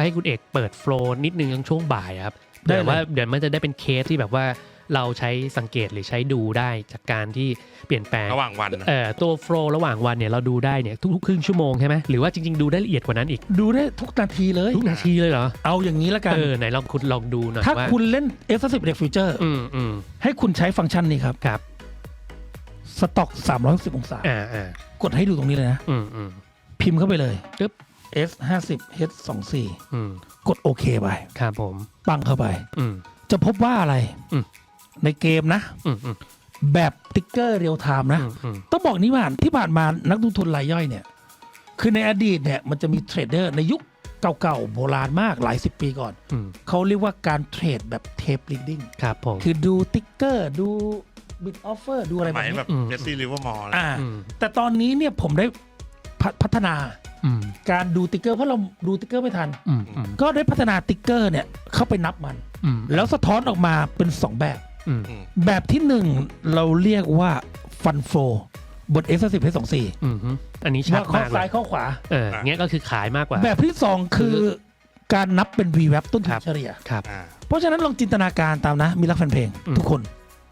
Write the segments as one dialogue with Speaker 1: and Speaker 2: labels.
Speaker 1: ให้คุณเอกเปิดโฟลว์นิดนึงในช่วงบ่ายครับ
Speaker 2: ได้
Speaker 1: เดี๋ยว
Speaker 2: เลย
Speaker 1: ว่าเดี๋ยวมันจะได้เป็นเคสที่แบบว่าเราใช้สังเกตหรือใช้ดูได้จากการที่เปลี่ยนแปลง
Speaker 3: ระหว่างวันนะ
Speaker 1: ตัวโฟลว์ระหว่างวันเนี่ยเราดูได้เนี่ยทุกๆครึ่งชั่วโมงใช่ไหมหรือว่าจริงๆดูได้ละเอียดกว่านั้นอีก
Speaker 2: ดูได้ทุกนาทีเลย
Speaker 1: ทุกนาทีเลยเหรอ
Speaker 2: เอาอย่างนี้ละกัน
Speaker 1: ไหนลองคุณลองดูหน่อย
Speaker 2: ถ้า
Speaker 1: ว่า
Speaker 2: คุณเล่น F10 Deck Future ให้คุณใช้ฟังก์ชันนี้ครับ
Speaker 1: ครับ
Speaker 2: สต็อก360องศา กดให้ดูตรงนี้เลยนะ พิมพ์เข้าไปเลย
Speaker 1: ปึ๊บ
Speaker 2: S50 H24 กดโอเคไป
Speaker 1: ครับผม
Speaker 2: ปังเข้าไป จะพบว่าอะไร ในเกมนะ แบบติ๊กเกอร์เรียลไทม์นะ ต้องบอกนี้ว่าที่ผ่านมานักลงทุนรายย่อยเนี่ย คือในอดีตเนี่ยมันจะมีเทรดเดอร์ในยุคเก่าๆโบราณมากหลายสิบปีก่อน เขาเรียกว่าการเทรดแบบเทปลิดดิ้ง
Speaker 1: ครับผม
Speaker 2: คือดูติ๊กเกอร์ดูบิตออฟเฟอร์ดูอะไร
Speaker 3: ห
Speaker 2: แบ
Speaker 3: มาย
Speaker 2: บนี้
Speaker 3: แบบเจสซี่ลิเวอร์มอร์
Speaker 2: แต่ตอนนี้เนี่ยผมได้พัฒนาการดูติ๊กเกอร์เพราะเราดูติ๊กเกอร์ไม่ทัน ก็ได้พัฒนาติ๊กเกอร์เนี่ยเข้าไปนับมัน แล้วสะท้อนออกมาเป็น 2 แบบ แบบที่ 1 เราเรียกว่าฟันโฟบน S10 H24
Speaker 1: อันนี้ชัด
Speaker 2: ข้อ
Speaker 1: มากเล
Speaker 2: ซ้าย
Speaker 1: ย
Speaker 2: ข้อขวา
Speaker 1: เงี้ยก็คือขายมากกว่า
Speaker 2: แบบที่ 2 คือการนับเป็น VWAP ต้นทุ
Speaker 1: ครั
Speaker 2: น
Speaker 1: บ
Speaker 2: เฉลี่ย
Speaker 1: ครับ
Speaker 2: เพราะฉะนั้นลองจินตนาการตามนะ มีรักแฟนเพลงทุกคน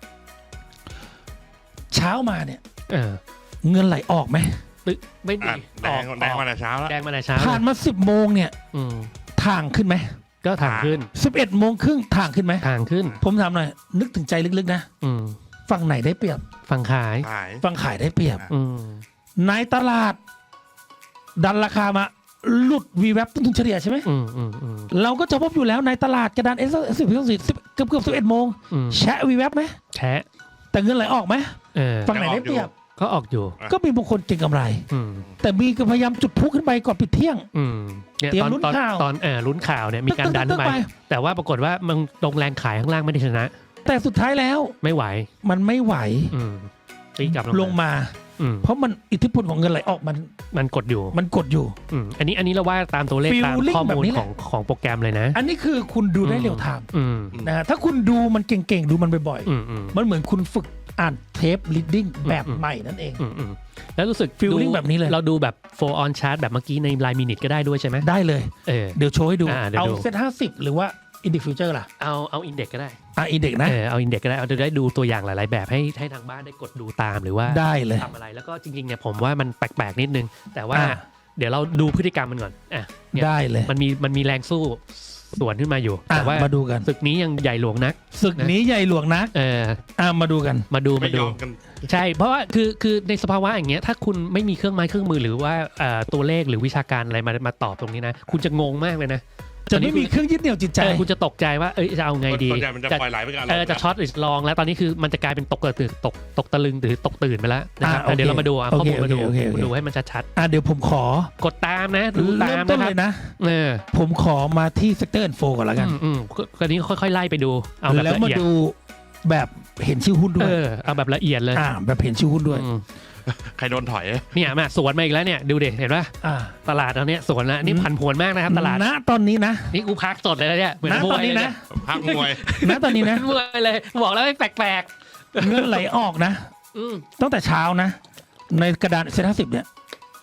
Speaker 2: เช้ามาเนี่ย เงินไหลออกไหม
Speaker 1: ไม่ดี
Speaker 3: แดงมาแต่เช้าแล้ว
Speaker 1: แดงมาแต่เช้า
Speaker 2: ผ่านมา 10 โมงเนี่ยทางขึ้นไหม
Speaker 1: ก็ทางขึ้น
Speaker 2: 11 โมงครึ่งทางขึ้นไหม
Speaker 1: ทางขึ้น
Speaker 2: ผมถามหน่อย นึกถึงใจลึกๆนะ ฝั่งไหนได้เปรียบ
Speaker 1: ฝั่งขาย
Speaker 3: ขาย
Speaker 2: ฝั่งขายได้เปรียบ ในตลาด ดันราคามาหลุด VWAP ต้นทุนเฉลี่ยใช่ไหม เราก็จะพบอยู่แล้วในตลาดกระดาน S10 เกือบ11 โมงแชะ VWAP ไหม
Speaker 1: แชะ
Speaker 2: แต่เงินไหลออกไหมฝั่งไหนได้เปรียบ
Speaker 1: ก็ออกอยู่
Speaker 2: ก็มีบางคนเก่งกำไร แต่มีก็พยายามจุดพลุขึ้นไปก่อนปิดเที่ยง
Speaker 1: เนี่ย
Speaker 2: เตรียม
Speaker 1: ตอน
Speaker 2: ลุ้น
Speaker 1: ตอน
Speaker 2: ข่าว
Speaker 1: ตอนลุ้นข่าวเนี่ยมีการดันขึ้นไป
Speaker 2: ตึ๊ก
Speaker 1: แต่ว่าปรากฏว่ามันลงแรงขายข้างล่างไม่ได้ชนะ
Speaker 2: แต่สุดท้ายแล้ว
Speaker 1: ไม่ไหว
Speaker 2: มันไม่ไหว
Speaker 1: ตีกลับ
Speaker 2: ลงมา เพราะมันอิทธิพลของเงินไหลออก
Speaker 1: มันกดอยู่
Speaker 2: มันกดอยู่
Speaker 1: อันนี้เราว่าตามตัวเลข
Speaker 2: Feeling
Speaker 1: ตามข้อมูล
Speaker 2: แบบนี้แหละ
Speaker 1: ของโปรแกรมเลยนะ
Speaker 2: อันนี้คือคุณดูได้เร็วไทม์นะฮะถ้าคุณดูมันเก่งๆ ดูมันบ่อยๆ มันเหมือนคุณฝึกอ่านเทป reading แบบใหม่นั่นเอง
Speaker 1: แล้วรู้สึก
Speaker 2: Feeling แบบนี้เลย
Speaker 1: เราดูแบบ 4 on chart แบบเมื่อกี้ในรายมินิทก็ได้ด้วยใช่ไหม
Speaker 2: ได้เลย เดี๋ยวโชว์ให้ดู
Speaker 1: เดี๋ยว
Speaker 2: เอา
Speaker 1: ดู
Speaker 2: เซ็ต50 หรือว่า Index Future ล่ะ
Speaker 1: เอาอินเด็กก็ได้
Speaker 2: Index นะ
Speaker 1: เอาอินเด็กก็ได้เอาจะได้ดูตัวอย่างหลายๆแบบให้ทางบ้านได้กดดูตามหรือว่า
Speaker 2: ได้เลย
Speaker 1: ทำอะไรแล้วก็จริงๆเนี่ยผมว่ามันแปลกๆนิดนึง แต่ว่าเดี๋ยวเราดูพฤติกรรมมันก่อนเนี่ย
Speaker 2: ได้เลย
Speaker 1: มันมีแรงสู้สวนขึ้นมาอยู่แต่ว่า
Speaker 2: มาดูกัน
Speaker 1: ศึกนี้ยังใหญ่หลวงนัก
Speaker 2: ศึกนี้ใหญ่หลวงนักมาดูกัน
Speaker 1: มาดู
Speaker 3: ไม่ยอมกัน
Speaker 1: ใช่เพราะว่าคือในสภาวะอย่างเงี้ยถ้าคุณไม่มีเครื่องไม้เครื่องมือหรือว่าตัวเลขหรือวิชาการอะไรมาตอบตรงนี้นะคุณจะงงมากเลยนะ
Speaker 2: จะไม่มีเครื่องยึดเหนี่ยวจิตใจ
Speaker 1: คุณจะตกใจว่าจะเอาไงดี
Speaker 3: ส่วนใหญ่มันจะปล่อยไหลไปกัน
Speaker 1: จะช็อตหรือลองแล้วตอนนี้คือมันจะกลายเป็นตกตะลึงหรือตกตื่นไปแล้วนะครับเดี๋ยวเรามาดูข้อมูลมาดูให้มันชัด
Speaker 2: เดี๋ยวผมขอ
Speaker 1: กดตามนะดูตาม
Speaker 2: ต้น
Speaker 1: นะค
Speaker 2: เล
Speaker 1: รับ
Speaker 2: ยนะ ผมขอมาที่ Sector Info ก่อนแล้วกัน
Speaker 1: คราวนี้ค่อยๆไล่ไปดูเอาแบบ
Speaker 2: แล้ว
Speaker 1: ละ
Speaker 2: มา
Speaker 1: เอียด
Speaker 2: ดูแบบเห็นชื่อหุ้นด้วย
Speaker 1: เอาแบบละเอียดเลย
Speaker 2: แบบเห็นชื่อหุ้นด้วย
Speaker 3: ใครโดนถอย
Speaker 1: เนี่ยมาสวนมาอีกแล้วเนี่ยดูเด็เห็นป่ะตลาดตอนนี้สวนแล้วนี่ผันผวนมากนะครับตลาด
Speaker 2: ณตอนนี้นะ
Speaker 1: นี่กูพักสดเลยนะเนี่ยเหมือน
Speaker 2: ณ
Speaker 1: ม
Speaker 2: ต
Speaker 1: ว
Speaker 2: อน
Speaker 1: ย
Speaker 2: นี้
Speaker 1: เลย
Speaker 2: นะ
Speaker 3: พักมวย
Speaker 2: ณตอนนี้นะ
Speaker 1: มวยเลยบอกแล้วไม่แปลก
Speaker 2: เงินไหลออกนะตั้งแต่เช้านะ ในกระดานเซ็น50เนี่ย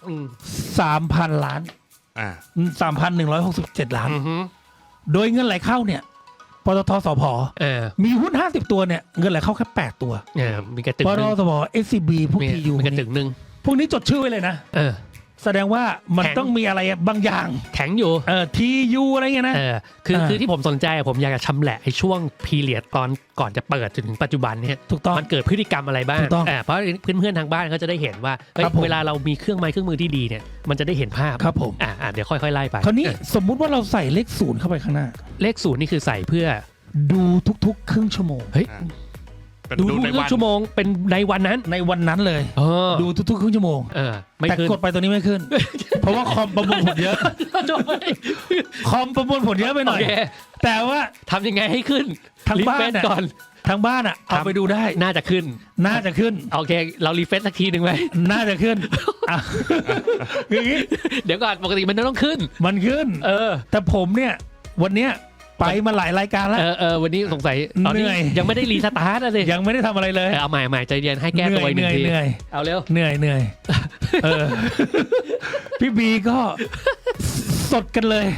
Speaker 2: 3,000 ล้าน 3,167 ล้าน โดยเงินไหลเข้าเนี่ยปตทสผมีหุ้น50 ตัวเนี่ยเงินไหลเข้าแค่8ตัว
Speaker 1: มีกระตึง
Speaker 2: ปต
Speaker 1: นึง
Speaker 2: ทสผ SCB พวก TU
Speaker 1: มีกระตึงนึง
Speaker 2: พวกนี้จดชื่อไว้เลยนะแสดงว่ามัน
Speaker 1: แข็ง
Speaker 2: ต้องมีอะไรบางอย่าง
Speaker 1: แข็งอยู่
Speaker 2: TU อะไรเงี้ยนะ
Speaker 1: คือที่ผมสนใจผมอยากจะชำแหละไอ้ช่วงพีเรียดตอนก่อนจะเปิดจนถึงปัจจุบันเนี่ย
Speaker 2: ถูกต้อง
Speaker 1: มันเกิดพฤติกรรมอะไรบ้าง
Speaker 2: ถูกต้อง
Speaker 1: เพราะเพื่อนๆทางบ้านเขาจะได้เห็นว่าเฮ้ย
Speaker 2: ครับผม
Speaker 1: เวลาเรามีเครื่องไม้เครื่องมือที่ดีเนี่ยมันจะได้เห็นภาพ
Speaker 2: ครับผม
Speaker 1: เดี๋ยวค่อยๆไล่ไป
Speaker 2: คราวนี้สมมุติว่าเราใส่เลข0เข้าไปข้างหน้า
Speaker 1: เลขศูนย์นี่คือใส่เพื่อ
Speaker 2: ดูทุกๆครึ่งชั่วโมง
Speaker 1: เฮ้ย
Speaker 3: เป็น
Speaker 1: ดู
Speaker 3: ดู
Speaker 1: ทุ
Speaker 3: ใน
Speaker 1: ก
Speaker 3: วัน
Speaker 1: ชั่วโมงเป็นในวันนั้น
Speaker 2: ในวันนั้นเลย
Speaker 1: ดู
Speaker 2: ดูทุกๆครึ่งชั่วโมง
Speaker 1: ไม่
Speaker 2: แต่
Speaker 1: ขึ้น
Speaker 2: กดไปตัวนี้ไม่ขึ้น เพราะว่าคอมประมวลผลเยอะ คอมประมวลผลเยอะไปหน่อย
Speaker 1: โอเค
Speaker 2: แต่ว่า
Speaker 1: ทำยังไงให้ขึ้น
Speaker 2: ทางบ้าน
Speaker 1: รีเฟรช
Speaker 2: น่ะ
Speaker 1: ก่อน
Speaker 2: ทางบ้านเอาไปดูได้
Speaker 1: น่าจะขึ้น
Speaker 2: น่าจะขึ้น
Speaker 1: โอเค เรารีเฟรชสักทีหนึ่งไหม
Speaker 2: น่าจะขึ้นอย่างนี้
Speaker 1: เดี๋ยวก่อนปกติมันต้องขึ้น
Speaker 2: มันขึ้น แต่ผมเนี่ยวันเนี้ยไปมาหลายรายการแล้ว
Speaker 1: วันนี้สงสัยตอนนี้
Speaker 2: เหนื่อย
Speaker 1: ยังไม่ได้รีสตาร์ทเลย
Speaker 2: ยังไม่ได้ทำอะไรเลย
Speaker 1: เอาใหม่ใจเย็นให้แก้ตัวอีกหนึ่งที
Speaker 2: เหนื่อย
Speaker 1: เอาเร็ว
Speaker 2: เหนื่อยพี่บีก็สดกันเลย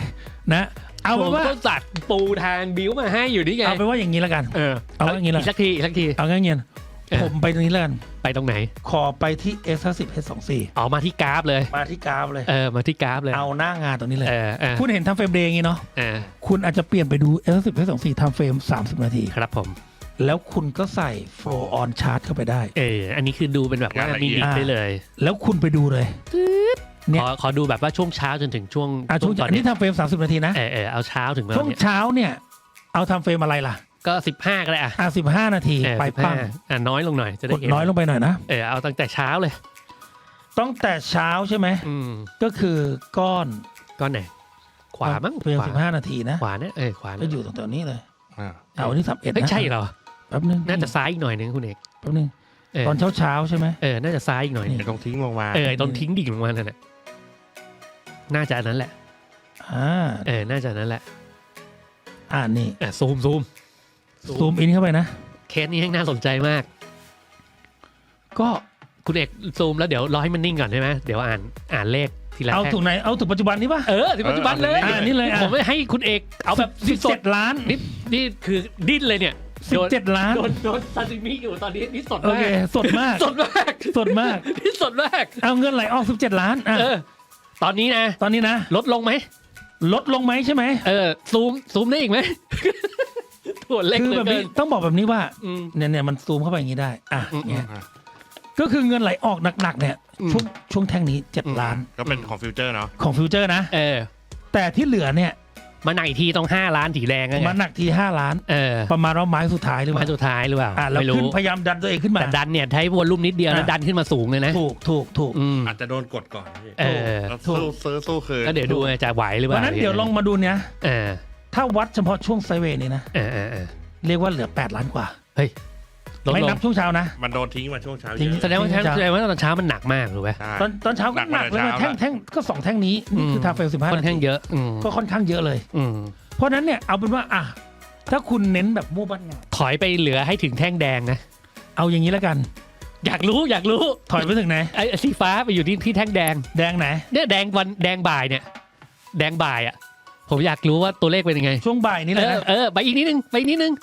Speaker 2: นะเอา
Speaker 1: ผ
Speaker 2: เป็น
Speaker 1: ม
Speaker 2: ว่า
Speaker 1: ก็จัดปูทางบิ้วมาให้อยู่นี่ไง
Speaker 2: เอาเป็นว่าอย่างนี้แล้วกัน เอาอย่างนี้ละ
Speaker 1: อีกสักทีอีกสักที
Speaker 2: เอางั้นเงี้ย
Speaker 1: เออ
Speaker 2: ผมไปตรงนี้แล้วกัน
Speaker 1: ไปตรงไหน
Speaker 2: ขอไปที่ S50 H24
Speaker 1: อ๋อมาที่กราฟเลย
Speaker 2: มาที่กราฟเลย
Speaker 1: มาที่กราฟเลย
Speaker 2: เอาหน้างานตรงนี้เลย
Speaker 1: เออ
Speaker 2: คุณเห็นทำเฟรมเดย์อย่างนี้เนาะ
Speaker 1: เออ
Speaker 2: คุณอาจจะเปลี่ยนไปดู S10 H24 ทำเฟรม30 นาที
Speaker 1: ครับผม
Speaker 2: แล้วคุณก็ใส่ flow on chart เข้าไปได้
Speaker 1: อันนี้คือดูเป็นแบบว่ามินิได้เลย
Speaker 2: แล้วคุณไปดูเลย เนี่ย
Speaker 1: ขอดูแบบว่าช่วงเช้าจนถึงช่วง
Speaker 2: ช่วง
Speaker 1: ตอน
Speaker 2: อัน
Speaker 1: นี้
Speaker 2: นี้ทำเฟรม30 นาทีนะ
Speaker 1: เอาเช้าถึงมา
Speaker 2: ช่วง
Speaker 1: เนี่ย
Speaker 2: เช้าเนี่ยเอาทำเฟรมอะไรล่ะ
Speaker 1: ก็15ก็ได้อ่ะ
Speaker 2: 15 นาทีไปปั้ง
Speaker 1: 15น้อยลงหน่อยจะ
Speaker 2: ก
Speaker 1: ได้
Speaker 2: ด
Speaker 1: เห็น
Speaker 2: น้อยลงไปหน่อยนะ
Speaker 1: เอาตั้งแต่เช้าเลย
Speaker 2: ต้องแต่เช้าใช่ไหม
Speaker 1: อืม
Speaker 2: ก็คือก้อน
Speaker 1: ก้อนไหนขวามั้ง
Speaker 2: เฟรม
Speaker 1: ขวา
Speaker 2: 15 นาทีนะ
Speaker 1: ขวาเนี่ยขวา
Speaker 2: ก็
Speaker 1: เนี่ย
Speaker 2: อยู่ตรงนี้เลย
Speaker 3: อ่า
Speaker 2: เอาอันนี้31
Speaker 1: เฮ้ย
Speaker 2: นะ
Speaker 1: ใช่เหรอ
Speaker 2: แป๊บนึง
Speaker 1: น่าจะซ้ายอีกหน่อยนึงคุณเอก
Speaker 2: แป๊บนึง
Speaker 1: เออ
Speaker 2: ตอนเช้าใช่ไหม
Speaker 1: น่าจะซ้ายอีกหน่อยนึง
Speaker 3: เดี๋ยวต้องทิ้งลงมา
Speaker 1: ตอนทิ้งดิ่งลงมานั่นแหละน่าจะอันนั้นแหละ น่าจะอันนั้นแหละ
Speaker 2: นี่
Speaker 1: ซูม
Speaker 2: ซูมอินเข้าไปนะ
Speaker 1: เคสนี้ให้น่าสนใจมาก
Speaker 2: ก็
Speaker 1: คุณเอกซูมแล้วเดี๋ยวรอให้มันนิ่งก่อนใช่ไหมเดี๋ยวอ่านเลขทีละ
Speaker 2: เอา
Speaker 1: แท่ง
Speaker 2: ถูกไหนเอาถูกปัจจุบันนี้ป่ะ
Speaker 1: ถึงปัจจุบันเลย
Speaker 2: นี่เลย
Speaker 1: ผมไม่ให้คุณเอกเอาแบบสด
Speaker 2: 17 ล้าน
Speaker 1: นี่คือดิ้นเลยเนี่ย
Speaker 2: 17 ล้าน
Speaker 1: โดนซาซิมิอยู่ตอนนี้นี่สด
Speaker 2: โอ
Speaker 1: มา
Speaker 2: เค
Speaker 1: ก
Speaker 2: สดมาก
Speaker 1: สดมาก
Speaker 2: สดมาก
Speaker 1: นี่สดมาก
Speaker 2: เอาเงินไหลออก17 ล้าน
Speaker 1: ตอนนี้นะ
Speaker 2: ตอนนี้นะ
Speaker 1: ลดลงไหม
Speaker 2: ลดลงไหมใช่ไหม
Speaker 1: ซูมได้อีกไหม ตัวเล็ก
Speaker 2: คือ
Speaker 1: เหลื
Speaker 2: แบ
Speaker 1: อบ เกิ
Speaker 2: นี้
Speaker 1: น
Speaker 2: ต้องบอกแบบนี้ว่า
Speaker 1: อืม
Speaker 2: เนี่ยมันซูมเข้าไปอย่างนี้ได้เนี่ย
Speaker 3: อ่า
Speaker 2: ก็คือเงินไหลออกหนักๆเนี่ย
Speaker 1: อืม
Speaker 2: ช่วงแท่งนี้7 ล้าน
Speaker 3: ก็เป็นของฟิวเจอร์เนาะ
Speaker 2: ของฟิวเจอร์นะ แต่ที่เหลือเนี่ย
Speaker 1: มาหนักอีกทีต้อง5 ล้านสีแดง
Speaker 2: มาหนักที5 ล้าน ประมาณว่าไม้สุดท้ายหรือเป
Speaker 1: มา
Speaker 2: ล่า
Speaker 1: สุดท้ายหรือเปล่า
Speaker 2: แล้ว
Speaker 1: ไม่
Speaker 2: ขึ้
Speaker 1: รู้
Speaker 2: นพยายามดันตัวเองขึ้นมา
Speaker 1: แต่ดันเนี่ยใช้วอลลุ่มนิดเดียวแล้วดันขึ้นมาสูงเลยนะ
Speaker 2: ถูก
Speaker 1: อืม
Speaker 3: อาจจะโดนกดก่อนพี่
Speaker 2: ถูก
Speaker 3: แล้วสู้คืน
Speaker 1: ก็เดี๋ยวดูจะไหวหรือเป
Speaker 2: เพ
Speaker 1: ล่า
Speaker 2: ราะนั้นเดี๋ยวลองมาดูเนี่ย
Speaker 1: เออ
Speaker 2: ถ้าวัดเฉพาะช่วงไซด์เวย์นี่นะ
Speaker 1: เออ
Speaker 2: เรียกว่าเหลือ8 ล้านกว่า
Speaker 1: เฮ้ยลด
Speaker 2: ไม่
Speaker 1: ล
Speaker 2: นั
Speaker 1: ง
Speaker 2: บช่วงเช้านะ
Speaker 3: มันโดนทิ้งมาช่วงเช้า
Speaker 2: ทิ้
Speaker 3: เย
Speaker 2: ง
Speaker 3: อะ
Speaker 1: แสดงว่าตอนเช้ามันหนักมากถูกไหม
Speaker 3: ใช่
Speaker 2: ตอนเช้าก็หนักเลย
Speaker 3: หนักมาแต่เช้า
Speaker 2: แท่งก็2 แท่งนี้นี่คือทาเฟล15
Speaker 1: ค่อนข้างเยอะ
Speaker 2: ก็ค่อนข้างเยอะเลย เพราะนั้นเนี่ยเอาเป็นว่าถ้าคุณเน้นแบบมั่วบ้านงาน
Speaker 1: ถอยไปเหลือให้ถึงแท่งแดงนะ
Speaker 2: เอาอย่างนี้แล้วกัน
Speaker 1: อยากรู้
Speaker 2: ถอยไปถึงไหน
Speaker 1: ไอ้สีฟ้าไปอยู่ที่แท่งแดง
Speaker 2: แดงไหน
Speaker 1: เนี่ยแดงบ่ายเนี่ย แดงบ่ายอ่ะ ผมอยากรู้ว่าตัวเลขเป็นยังไง
Speaker 2: ช่วงบ่ายนี้เลยนะ
Speaker 1: ไปอีกนิดนึง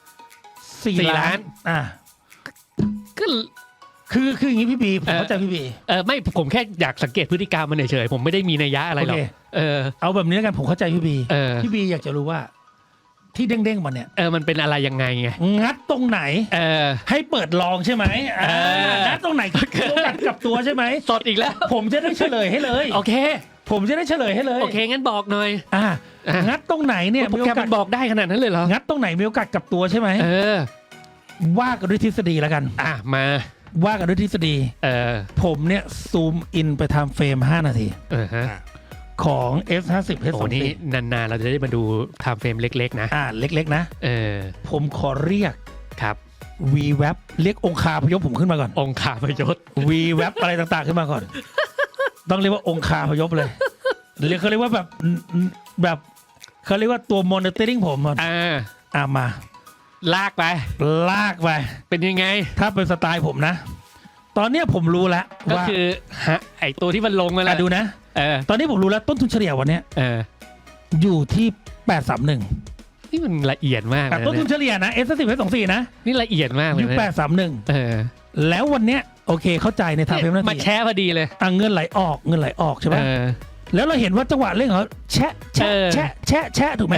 Speaker 2: 4 ล้าน
Speaker 1: ก็
Speaker 2: คืออย่างนี้พี่บีผมเข้าใจพี่บี
Speaker 1: ไม่ผมแค่อยากสังเกตพฤติกรรมมันเฉยๆผมไม่ได้มีนัยยะอะไรหรอก
Speaker 2: โอเค เอาแบบนี้แล้วกันผมเข้าใจพี่บี พี่บีอยากจะรู้ว่า ที่เด้งๆมาเนี่ย
Speaker 1: มันเป็นอะไรยังไงไง
Speaker 2: งัดตรงไหน ให้เปิดลองใช่ไหมงัดตรงไหนตัวกัดกับตัวใช่ไหม
Speaker 1: สดอีกแล้ว
Speaker 2: ผมจะได้เฉลยให้เลย
Speaker 1: โอเค
Speaker 2: ผมจะได้เฉลยให้เลย
Speaker 1: โอเคงั้นบอกหน่อย
Speaker 2: งัดตรงไหนเนี่ย
Speaker 1: โปรแกรมมันบอกได้ขนาดนั้นเลยเหรอ
Speaker 2: งัดตรงไหนมีโอกาสกับตัวใช่ไหมว่ากันด้วยทฤษฎีแล้วกัน
Speaker 1: มา
Speaker 2: ว่ากันด้วยทฤษฎีผมเนี่ยซูมอินไปทำเฟรม5 นาทีของ S50
Speaker 1: โอ้
Speaker 2: H24
Speaker 1: นี่นานๆเราจะได้มาดูไทม์เฟรมเล็กๆนะ
Speaker 2: เล็กๆนะผมขอเรียก
Speaker 1: ครับ
Speaker 2: VWAP เรียกองคาพยพผมขึ้นมาก่อน
Speaker 1: องคาพยศ
Speaker 2: VWAP อะไรต่างๆขึ้นมาก่อน ต้องเรียกว่าองคาพยพเลยเขาเรียกว่าแบบเขาเรียกว่าตัว monitoring ผมมา
Speaker 1: ลากไป เป็นยังไง
Speaker 2: ถ้าเป็นสไตล์ผมนะ ตอนเนี้ยผมรู้แล้ว
Speaker 1: ก็
Speaker 2: ว่า
Speaker 1: คือไอตัวที่มันลงมาแล้ว
Speaker 2: ดูนะตอนนี้ผมรู้แล้วต้นทุนเฉลี่ยวันเนี้ยอยู่ที่831
Speaker 1: นี่มันละเอียดมากเลย
Speaker 2: ต้นทุนเฉลี่ยนะ S10 S24 นะ
Speaker 1: นี่ละเอียดมากเลย
Speaker 2: อยู่831แล้ววันเนี้ยโอเคเข้าใจในทางเฟรมนาที
Speaker 1: มาแชร์พอดีเลย
Speaker 2: เงินไหลออกใช่ไหมแล้วเราเห็นว่าจังหวะเร่งเขาแชะถูกไหม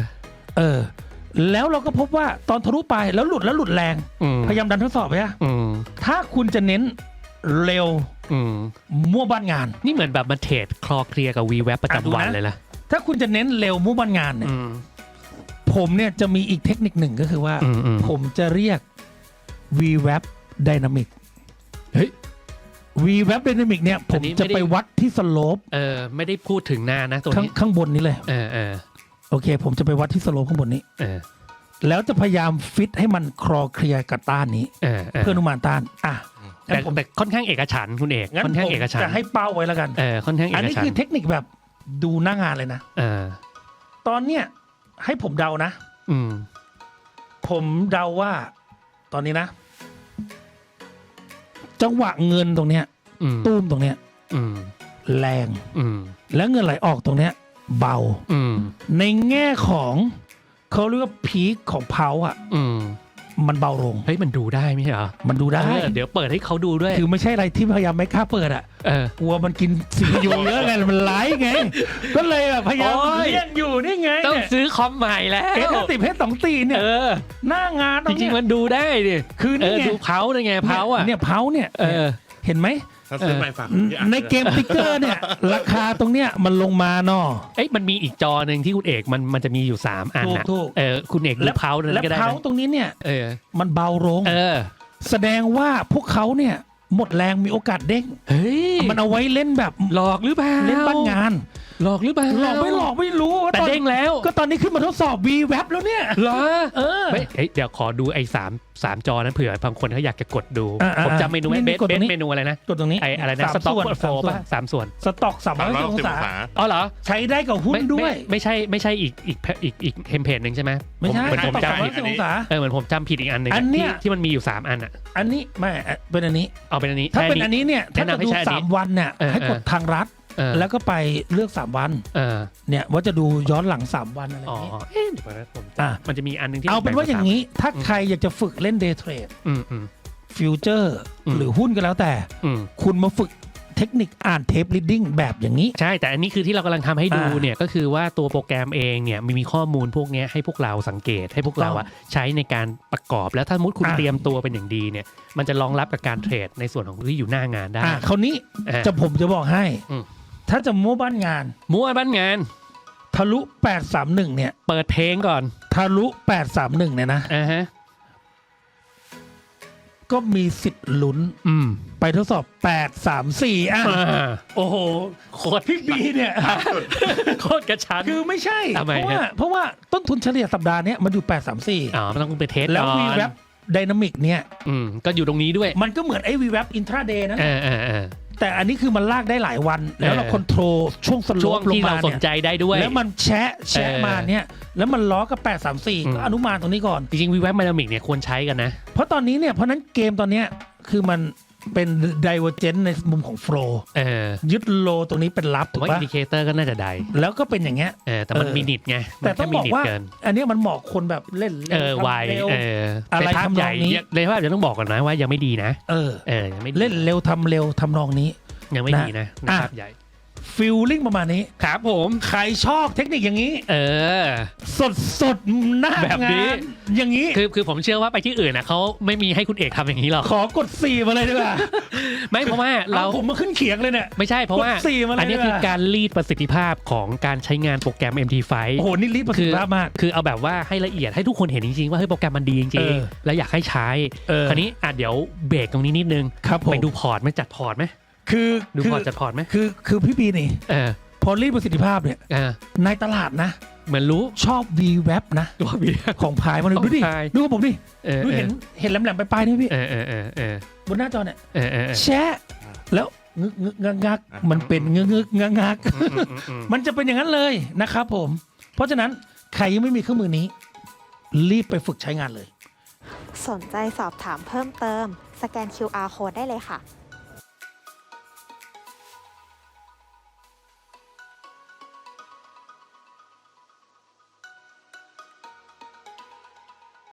Speaker 2: แล้วเราก็พบว่าตอนทะลุไปแล้วหลุดแรงพยายามดันทดสอบไปถ้าคุณจะเน้นเร็วมั่วบ้านงาน
Speaker 1: นี่เหมือนแบบมาเทรดคลอเคลียร์กับ VWAP ประจำวันเลยนะ
Speaker 2: ถ้าคุณจะเน้นเร็วมั่วบ้านงานเนี่ยผมเนี่ยจะมีอีกเทคนิคหนึ่งก็คือว่าผมจะเรียก VWAP Dynamic เฮ้ย VWAP Dynamic เนี่ยผมจะไปวัดที่สโลป
Speaker 1: ไม่ได้พูดถึงนานนะตัวนี้
Speaker 2: ข้างบนนี้เลยโอเคผมจะไปวัดที่สโลปข้างบนนี้แล้วจะพยายามฟิตให้มันคลอเคลียร์กับต้านนี้เพื่ออนุมานต้าน
Speaker 1: แต่ค่อนข้างเอกฉันท์คุณเอกค่อนข้างเอกฉันท์
Speaker 2: จะให้เป้าไว้แล้วกัน
Speaker 1: ค่อนข้างเอกฉันท์
Speaker 2: อันนี้คือเทคนิคแบบดูหน้างานเลยนะตอนเนี้ยให้ผมเดานะผมเดาว่าตอนนี้นะจังหวะเงินตรงเนี้ยตุ้มตรงเนี้ยแรงแล้วเงินไหลออกตรงเนี้ยเบา
Speaker 1: อืม
Speaker 2: ในแง่ของเขาเรียกว่าพีคของเพาอ่ะ
Speaker 1: อืม
Speaker 2: มันเบาลง
Speaker 1: เฮ้ยมันดูได้ไม่ใช่เหรอ
Speaker 2: มันดูได้
Speaker 1: เดี๋ยวเปิดให้เขาดูด้วย
Speaker 2: คือไม่ใช่อะไรที่พยายามไม่กล้าเปิดอ่ะ
Speaker 1: เออ
Speaker 2: กลัวมันกินซีพียูเยอะไงมันไลฟ์ไง ก็เลยแบบพยายาม
Speaker 1: โอ้ย
Speaker 2: เลี่ยงอยู่นี่ไง
Speaker 1: ต้อง
Speaker 2: เนี่ย
Speaker 1: ซื้อคอมใหม่แล้ว
Speaker 2: S10 H2 เนี่ย
Speaker 1: เออ
Speaker 2: หน้างาน
Speaker 1: จริงๆมันดูได้ดิ
Speaker 2: คือ
Speaker 1: เอ
Speaker 2: นี่
Speaker 1: อ
Speaker 2: ไง
Speaker 1: ดูเพาเลยไงเพาอ่ะ
Speaker 2: เนี่ยเพาเนี่ย
Speaker 1: เออ
Speaker 2: เห็นไหม
Speaker 3: ถ้าซื้อใหม่ฝากพี่อัด
Speaker 2: ในเกมติ๊กเกอร์เนี่ย ราคาตรงเนี้ยมันลงมาเนาะ
Speaker 1: เอ้ยมันมีอีกจอหนึ่งที่คุณเอกมันจะมีอยู่3อันนะ
Speaker 2: ถูก
Speaker 1: เออคุณเอกดูเพานั้น
Speaker 2: และ
Speaker 1: ก็ได้
Speaker 2: เพา
Speaker 1: นะ
Speaker 2: ตรงนี้เนี่ย
Speaker 1: เออ
Speaker 2: มันเบาลง
Speaker 1: เออ
Speaker 2: แสดงว่าพวกเขาเนี่ยหมดแรงมีโอกาสเด้ง
Speaker 1: เฮ้ย
Speaker 2: มันเอาไว้เล่นแบบ
Speaker 1: หลอกหรือเปล่า
Speaker 2: เล่นบ้านงาน
Speaker 1: หลอกหรือเปล่า
Speaker 2: หลอกไม่รู้
Speaker 1: แต่เด้งแล้ว
Speaker 2: ก็ตอนนี้ขึ้นมาทดสอบ V Web แล้วเนี่ย
Speaker 1: เหรอ
Speaker 2: เออ
Speaker 1: เฮ้ยเดี๋ยวขอดูไอ้สามจอนั้นเผื่อบางคนเขาอยากจะกดดู
Speaker 2: อ่า
Speaker 1: ผมจำเมนู
Speaker 2: นี่
Speaker 1: เบ
Speaker 2: กดตรงนี้
Speaker 1: สเมนูอะไรนะ
Speaker 2: กดตรงนี้
Speaker 1: ไอ้อะไรนะ
Speaker 2: สาม
Speaker 1: สต็อก
Speaker 2: ส่วน
Speaker 1: โฟป่ะ3 ส่วน
Speaker 2: สต็อก
Speaker 3: 360
Speaker 2: 360
Speaker 3: อง
Speaker 2: ศา
Speaker 3: ศา
Speaker 1: อ๋อเหรอ
Speaker 2: ใช้ได้กับหุ้นด้วย
Speaker 1: ไม่ใช่อีกเทมเพลตหนึ่งใช่ไหม
Speaker 2: ไม่ใช่
Speaker 1: เหมือนผม
Speaker 2: สต็อก
Speaker 1: จำผิด
Speaker 2: 360องศา
Speaker 1: เหมือนผมจำผิดอีกอันหนึ่ง
Speaker 2: อันเนี้ย
Speaker 1: ที่มันมีอยู่3อันอ่ะ
Speaker 2: อันนี้ไม่เป็นอันนี้
Speaker 1: เอาเป็นอันนี้
Speaker 2: ถ้า
Speaker 1: ใช่
Speaker 2: เป็นอันนี้เนี่ยถ้า
Speaker 1: แนะ
Speaker 2: จะ
Speaker 1: นำให้
Speaker 2: ดู
Speaker 1: ใช้อันนี้
Speaker 2: 3 วันเนี่ย
Speaker 1: เออ
Speaker 2: ให้กดทางรัฐ
Speaker 1: เออ
Speaker 2: แล้วก็ไปเลือก3วัน
Speaker 1: เออ
Speaker 2: เนี่ยว่าจะดูย้อนหลัง3วันอะไรอ
Speaker 1: อ๋อย่าง
Speaker 2: นี้
Speaker 1: เอ๊ะเดี๋ยวนะผม
Speaker 2: อ่ะ
Speaker 1: มันจะมีอันหนึงที่
Speaker 2: เอาเป็นว่าอย่าง
Speaker 1: นี้
Speaker 2: นี้ถ้าใครอยากจะฝึกเล่นเดย์เทรด
Speaker 1: อืม
Speaker 2: ฟิวเจอร์
Speaker 1: อืม
Speaker 2: หรือหุ้นก็แล้วแต่
Speaker 1: อืม
Speaker 2: คุณมาฝึกเทคนิคอ่านเทป reading แบบอย่างนี้
Speaker 1: ใช่แต่อันนี้คือที่เรากำลังทำให้ดู
Speaker 2: อ่า
Speaker 1: เนี่ยก็คือว่าตัวโปรแกรมเองเนี่ยมีข้อมูลพวกเนี้ยให้พวกเราสังเกตให้พวกเราอะใช้ในการประกอบแล้วถ้าสมมติคุณ
Speaker 2: อ่า
Speaker 1: เตรียมตัวเป็นอย่างดีเนี่ยมันจะรองรับกับการเทรดในส่วนของที่อยู่หน้างานได้
Speaker 2: คราวนี้ ผมจะบอกให้
Speaker 1: อืม
Speaker 2: ถ้าจะมั่วบ้านงาน
Speaker 1: มั่วบ้านงาน
Speaker 2: ทะลุ 831 เนี่ย
Speaker 1: เปิดเพลงก่อน
Speaker 2: ทะลุ 831 เนี่ยนะ
Speaker 1: อ่าฮะ
Speaker 2: ก็มีสิทธิ์ลุ้น
Speaker 1: อืม
Speaker 2: ไปทดสอบ 834 โอ้โห
Speaker 1: โคตร
Speaker 2: พี่บีเนี่ย
Speaker 1: โคตรกระชั้น
Speaker 2: คือไม่ใช่
Speaker 1: ทำไม
Speaker 2: เพราะว่าต้นทุนเฉลี่ยสัปดาห์เนี้ยมันอยู่
Speaker 1: อ๋อมันต้องไปเทส
Speaker 2: 834 แล้ว
Speaker 1: ก่อน
Speaker 2: V Web Dynamic เนี่ย
Speaker 1: ก็อยู่ตรงนี้ด้วย
Speaker 2: มันก็เหมือนไอ้ V Web Intraday นะ
Speaker 1: เออ
Speaker 2: แต่อันนี้คือมันลากได้หลายวัน แล้วเรา
Speaker 1: เออ
Speaker 2: คอนโทรลช่วงสโล
Speaker 1: ช่วง
Speaker 2: ปลง
Speaker 1: ที่
Speaker 2: มา
Speaker 1: เราสน
Speaker 2: เนี่ย
Speaker 1: ใจได้ด้วย
Speaker 2: แล้วมันแชะ
Speaker 1: เออ
Speaker 2: มาเนี่ยแล้วมันล้อกับ 834 ก็อนุมานตรงนี้ก่อน
Speaker 1: จริงๆวีแวบมาดามิกเนี่ยควรใช้กันนะ
Speaker 2: เพราะตอนนี้เนี่ยเพราะนั้นเกมตอนเนี้ยคือมันเป็น divergent ในมุมของ flow ยึดโลตรงนี้เป็นรับ
Speaker 1: ผม
Speaker 2: ถูก
Speaker 1: ว่า
Speaker 2: ปะ
Speaker 1: อินดิเคเตอร์ก็น่าจะได้
Speaker 2: แล้วก็เป็นอย่างเงี้ย
Speaker 1: แต่มันมีนิดไง
Speaker 2: แต่ต้องบอกว่า
Speaker 1: เกิน
Speaker 2: อันเนี้ยมันเหมาะคนแบบเล่นเร็ว
Speaker 1: ไว
Speaker 2: ทำเร็ว อะไร
Speaker 1: แต่ภาพ
Speaker 2: ทำนอง
Speaker 1: ใหญ่
Speaker 2: นี้
Speaker 1: เลยภาพจะต้องบอกก่อนนะว่ายังไม่ดีนะ ยังไม่ดี
Speaker 2: เล่นเร็วทำเร็วทำนองนี้
Speaker 1: ยังไม่ดีนะ
Speaker 2: อ่ะ
Speaker 1: ภาพใหญ่
Speaker 2: ฟีลลิ่งประมาณนี้
Speaker 1: ครับผม
Speaker 2: ใครชอบเทคนิคอย่างนี้
Speaker 1: อ
Speaker 2: สดหน้า
Speaker 1: แบบนี้
Speaker 2: งานอย่างนี้
Speaker 1: คือผมเชื่อว่าไปที่อื่นนะเขาไม่มีให้คุณเอกทำอย่างนี้หรอก
Speaker 2: ขอกด4มาเลยดีกว่า
Speaker 1: ไม่เพราะว่าเรา
Speaker 2: ผมมาขึ้นเขียงเลยเนี่ย
Speaker 1: ไม่ใช่เพราะว่าก
Speaker 2: ด4มาเลย
Speaker 1: อันนี้
Speaker 2: ดีกว่า
Speaker 1: คือการรีดประสิทธิภาพของการใช้งานโปรแกรม MT5
Speaker 2: โอ้โหนี่รีบประสิทธิภาพมาก
Speaker 1: คือเอาแบบว่าให้ละเอียดให้ทุกคนเห็นจริงๆว่าเฮ้ยโปรแกรมมันดีจ
Speaker 2: เอ
Speaker 1: ริง
Speaker 2: อ
Speaker 1: ๆแล้วอยากให้ใช้ คราวนี้เดี๋ยวเบรกตรงนี้นิดนึง
Speaker 2: ครับผม
Speaker 1: ไปดูพอร์ตไหมจัดพอร์ตไหม
Speaker 2: คือ
Speaker 1: ดูพอร์ตจัดพอร์ตไหม
Speaker 2: คือพี่ปีนี่
Speaker 1: เออ
Speaker 2: พอรีบประสิทธิภาพเนี่ย
Speaker 1: เออ
Speaker 2: ในตลาดนะ
Speaker 1: เหมือนรู้
Speaker 2: ชอบ V Web นะ
Speaker 1: ตัวบี
Speaker 2: ของพายมาเลย
Speaker 1: ของ
Speaker 2: ดูดิ
Speaker 1: พาย
Speaker 2: ดูกับผมดิ
Speaker 1: เออ
Speaker 2: ดูเห็นแหลมๆไปลายๆนี่พี่
Speaker 1: เออ
Speaker 2: บนหน้าจอเนี่ย
Speaker 1: เออ
Speaker 2: แชะแล้วงึกงักมันเป็นงึกงักมันจะเป็นอย่างนั้นเลยนะครับผม เพราะฉะนั้นใครยังไม่มีเครื่องมือนี้ รีบไปฝึกใช้งานเลย
Speaker 4: สนใจสอบถามเพิ่มเติม สแกน QR Code ได้เลยค่ะ